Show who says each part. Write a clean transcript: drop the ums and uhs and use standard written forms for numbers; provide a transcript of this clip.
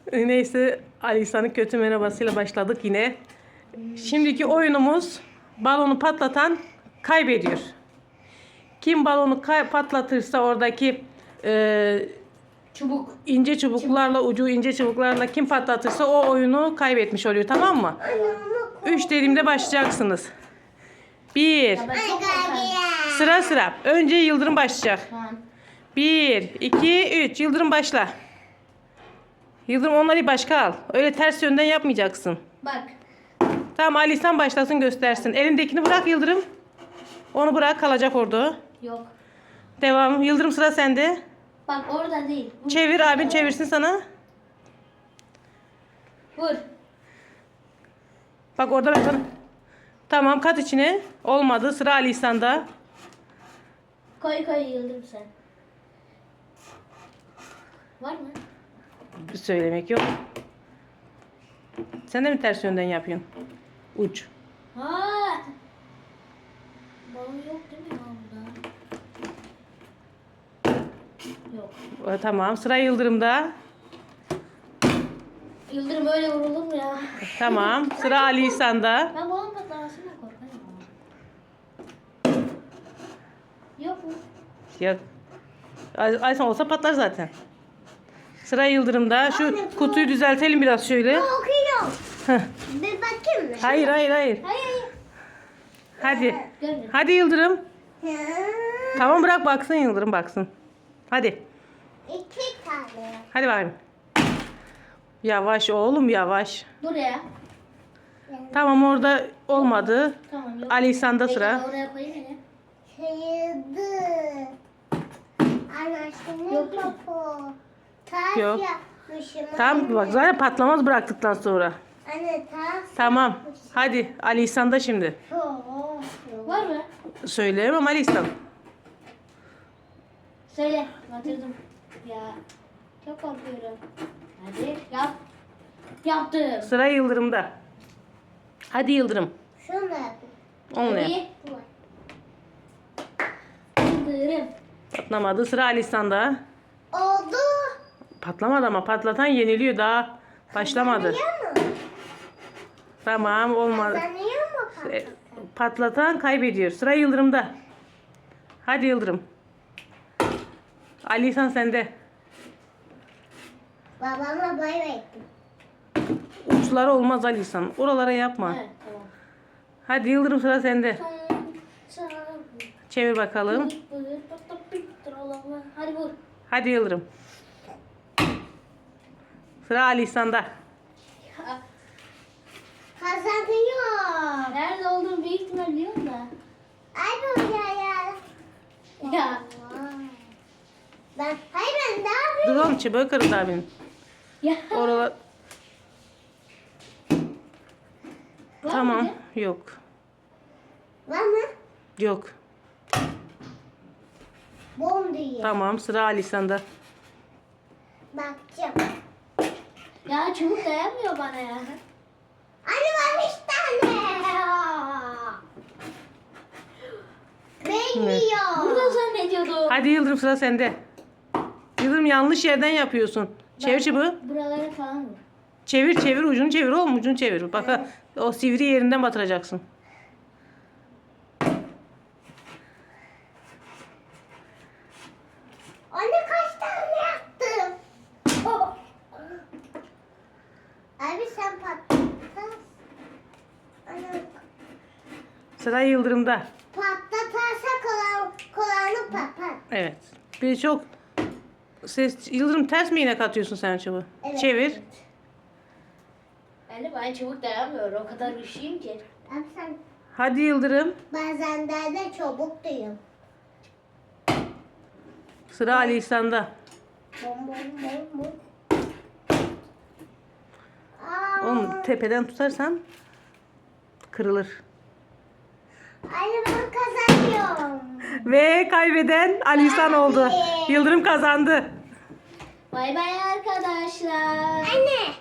Speaker 1: Neyse, Alisa'nın kötü merhabasıyla başladık yine. Şimdiki oyunumuz balonu patlatan kaybediyor. Kim balonu patlatırsa oradaki ince çubuklarla, ucu ince çubuklarla kim patlatırsa o oyunu kaybetmiş oluyor, tamam mı? 3 dediğimde başlayacaksınız. 1. Sıra sıra. Önce Yıldırım başlayacak. 1, 2, 3. Yıldırım başla. Yıldırım onları başka al. Öyle ters yönden yapmayacaksın.
Speaker 2: Bak.
Speaker 1: Tamam, Alisan başlasın, göstersin. Elindekini bırak Yıldırım. Onu bırak, kalacak orada.
Speaker 2: Yok.
Speaker 1: Devam. Yıldırım, sıra sende.
Speaker 2: Bak orada değil. Vur.
Speaker 1: Çevir, abin çevirsin sana.
Speaker 2: Vur.
Speaker 1: Bak orada ben sana. Tamam, kat içine. Olmadı. Sıra Alisan'da.
Speaker 2: Koy Yıldırım sen. Var mı?
Speaker 1: Söylemek yok. Sen de mi ters yönden yapıyorsun? Uç.
Speaker 2: Ha. Balon yok değil mi ya burada? Yok.
Speaker 1: Tamam. Sıra Yıldırım'da.
Speaker 2: Yıldırım öyle vurulur mu ya?
Speaker 1: Tamam. Sıra Alisan'da.
Speaker 2: Ben balon patlamasından korkarım. Yok mu?
Speaker 1: Yok. Alisan olsa patlar zaten. Sıra Yıldırım'da. Şu kutuyu düzeltelim biraz şöyle.
Speaker 3: Okuyorum.
Speaker 1: Heh.
Speaker 3: Bir bakayım mı?
Speaker 1: Hayır.
Speaker 2: Hayır.
Speaker 1: Hadi.
Speaker 2: Görmüyorum.
Speaker 1: Hadi Yıldırım.
Speaker 3: Hı.
Speaker 1: Tamam, bırak baksın Yıldırım, baksın. Hadi.
Speaker 3: 2 tane.
Speaker 1: Hadi bakayım. Yavaş oğlum, yavaş.
Speaker 2: Buraya.
Speaker 1: Tamam, orada olmadı.
Speaker 2: Tamam yok.
Speaker 1: Alisan'da sıra.
Speaker 2: Bekle, oraya koyayım yine.
Speaker 3: Sayıldı. Anlaşılır
Speaker 2: Yok.
Speaker 3: mı bu? Ters
Speaker 1: Yok.
Speaker 3: yapmışım.
Speaker 1: Tamam,
Speaker 3: anne.
Speaker 1: bak zaten patlamaz bıraktıktan sonra.
Speaker 3: Anne ters.
Speaker 1: Tamam. Hadi Alisan'da şimdi.
Speaker 2: Var mı?
Speaker 1: Söyleyemem Alisan.
Speaker 2: Söyle. Batırdım. Ya. Çok korkuyorum. Hadi yap. Yaptım.
Speaker 1: Sıra Yıldırım'da. Hadi Yıldırım.
Speaker 3: Şunu da yapayım.
Speaker 1: Onunla yap.
Speaker 2: İyi. Yıldırım.
Speaker 1: Patlamadı. Sıra Alisan'da.
Speaker 3: Oldu.
Speaker 1: Patlamadı ama patlatan yeniliyor, daha başlamadı.
Speaker 3: Kazanıyor mu?
Speaker 1: Tamam, olmadı.
Speaker 3: Kazanıyor mu
Speaker 1: E, Patlatan kaybediyor. Sıra Yıldırım'da. Hadi Yıldırım. Alisan sende.
Speaker 3: Babama bay verdim.
Speaker 1: Uçları olmaz Alisan. Oralara yapma.
Speaker 2: Evet tamam.
Speaker 1: Hadi Yıldırım, sıra sende. Çevir bakalım.
Speaker 2: Hadi vur.
Speaker 1: Hadi Yıldırım. Sıra Alisan'da.
Speaker 3: Kazanıyor.
Speaker 2: Nerede olduğunu büyük ihtimal biliyorum da.
Speaker 3: Ay bu ya.
Speaker 2: Ya.
Speaker 3: Hayır ben daha
Speaker 1: Dur oğlum, çubuğu kırdı abinin.
Speaker 2: Ya.
Speaker 1: Oralar...
Speaker 2: Var
Speaker 1: Tamam.
Speaker 2: mıydı?
Speaker 1: Yok.
Speaker 3: var mı?
Speaker 1: Yok.
Speaker 3: Bom diye.
Speaker 1: Tamam, sıra Alisan'da.
Speaker 3: Bakacağım.
Speaker 2: Ya çubuk dayanmıyor bana ya.
Speaker 3: Anne var 5 tane. Bekliyor.
Speaker 2: Burada zannediyordum.
Speaker 1: Hadi Yıldırım, sıra sende. Yıldırım, yanlış yerden yapıyorsun. Çevir çubuğu.
Speaker 2: Buralara falan vur.
Speaker 1: Çevir, ucunu çevir oğlum, ucunu çevir. Bak ha, o sivri yerinden batıracaksın.
Speaker 3: Anne kaç tane yaptım? Abi sen patlat. Anne
Speaker 1: Sıra Yıldırım'da.
Speaker 3: patlatarsa kulağını patlat.
Speaker 1: Evet. Bir çok ses. Yıldırım, ters mi iğne atıyorsun sen çubuğu?
Speaker 3: Evet.
Speaker 1: Çevir.
Speaker 2: Yani ben çubuk dayanmıyor. O kadar güçlüyüm ki.
Speaker 3: Abi sen
Speaker 1: Hadi Yıldırım.
Speaker 3: bazen de çabuk duyuyorum.
Speaker 1: Sıra Ali İhsan'da.
Speaker 3: Bom bom bom bom.
Speaker 1: Oğlum, tepeden tutarsan kırılır.
Speaker 3: Anne ben kazanıyorum.
Speaker 1: Ve kaybeden Ali İhsan oldu. Yıldırım kazandı.
Speaker 2: Bay bay arkadaşlar.
Speaker 3: Anne.